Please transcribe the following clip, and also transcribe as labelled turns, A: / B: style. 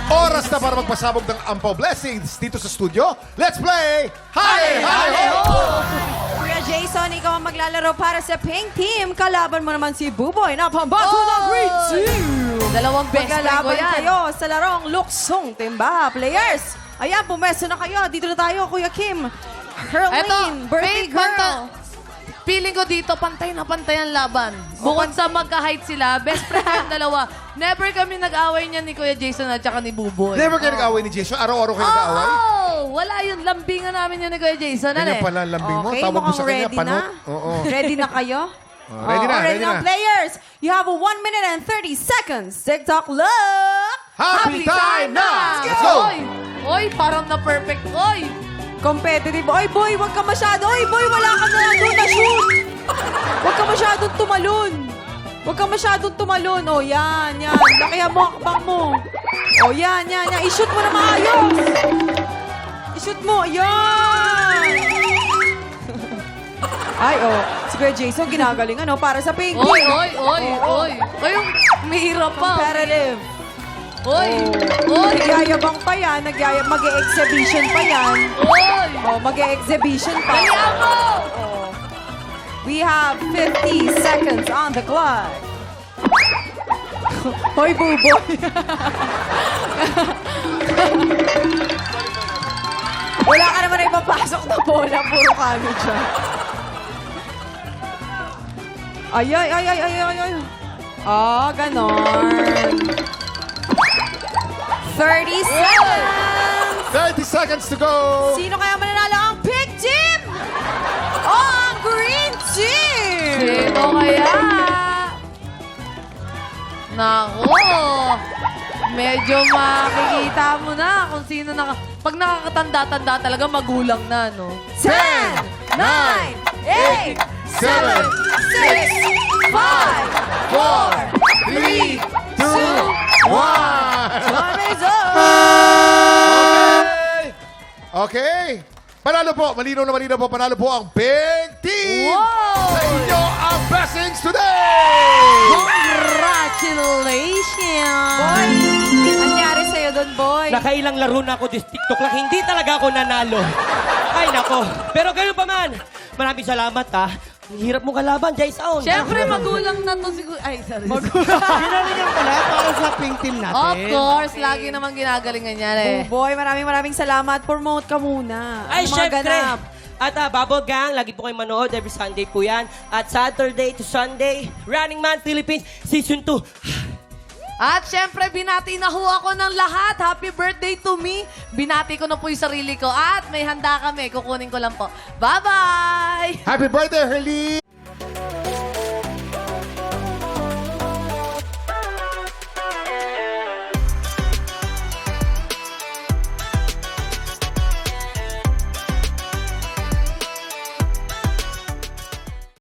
A: Oras na para magpasabog ng Ampaw Blessings dito sa studio. Let's play Hale Hale Ho!
B: Kuya Jason, ikaw ang maglalaro para sa Pink Team. Kalaban mo naman si Buboy na pambato ng Green Team.
C: Dalawang best friend ko
B: Maglalaban
C: yan.
B: kayo sa larong luksong timba. Players, ayan, pumesto na kayo. Dito na tayo, Kuya Kim. Herlene, birthday
C: Pink,
B: girl.
C: Feeling ko dito, pantay na pantay ang laban. Bukod sa magka-height sila, best friend yung dalawa. Never kami nag-away niya ni Kuya Jason at saka ni Buboy.
A: Never kayo nag-away ni Jason? Araw-araw kayo nag-away?
C: Wala yun. Lambingan namin yun ni Kuya Jason. Ano
A: Ganyan
C: eh?
A: pala ang lambing mo.
B: Okay,
A: Tawag mo
B: mukhang
A: sa kanya,
B: ready
A: panot.
B: na?
A: Oo.
B: Ready na kayo?
A: Ready na, ready na.
B: Players, you have 1 minute and 30 seconds. TikTok look!
A: Happy time na! Let's go!
C: Oy, parang na-perfect. Oy!
B: Competitive. Oy, boy, wag ka masyado. Oy, boy, wala ka na doon na shoot. Wag ka masyadong tumalon. Wag ka masyadong tumalon. Oh, yan, yan. Lakihan mo, akbang mo. Oh, yan, yan, yan. I-shoot mo na maayos. I-shoot mo. Yan. Ay, oh. Si Kuya Jason, ginagaling, ano, para sa pink.
C: Oy, oy, oy, oy. Oy, mahirap pa.
B: Competitive.
C: Oy, oy,
B: Nagyayabang pa yan. Mag-e-exhibition pa yan.
C: oy.
B: Oh, mag-e-exhibition pa.
C: Kaya mo!
B: We have 50 seconds on the clock. Hoy, Buboy. Wala ka naman na ipapasok na bola. Puro kano dyan. Ay, ay, ay, ay, ay, ay, ay. Ah, ganon. 30 seconds.
A: 30 seconds to go!
B: Sino kaya mananalo? Ang pink team! O ang green team!
C: Sino kaya? Nako! Medyo makikita mo na kung sino Pag nakakatanda-tanda talaga, magulang na, no?
B: 10, 9, 8, 7, 6, 5, 4,
A: 3, 2, 1!
B: time is up!
A: Okay. Panalo po. Malinaw na malinaw po. Panalo po ang Pink Team.
C: Wow!
A: Sa inyo ang blessings today.
C: Congratulations!
B: Boy, anyari sa'yo doon, boy?
D: Nakailang laro na ako this TikTok lang. Hindi talaga ako nanalo. Ay, nako. Pero ganun pa man. Maraming salamat, ha. Ang hirap mo kalaban, Jason.
C: Siyempre, magulang na to siguro. Ay, sorry.
E: Ginalingan pala para sa pink team natin.
C: Of course, lagi naman ginagalingan yan eh.
B: Oh, boy, maraming salamat. Promote ka muna.
D: Ay,
B: Ano mga
D: syempre.
B: ganap?
D: At Bubble Gang, lagi po kayo manood. Every Sunday po yan. At Saturday to Sunday, Running Man Philippines Season 2.
C: At syempre, binati na ho ako ng lahat. Happy birthday to me. Binati ko na po yung sarili ko. At may handa kami. Kukunin ko lang po. Bye-bye!
A: Happy birthday, Herlie.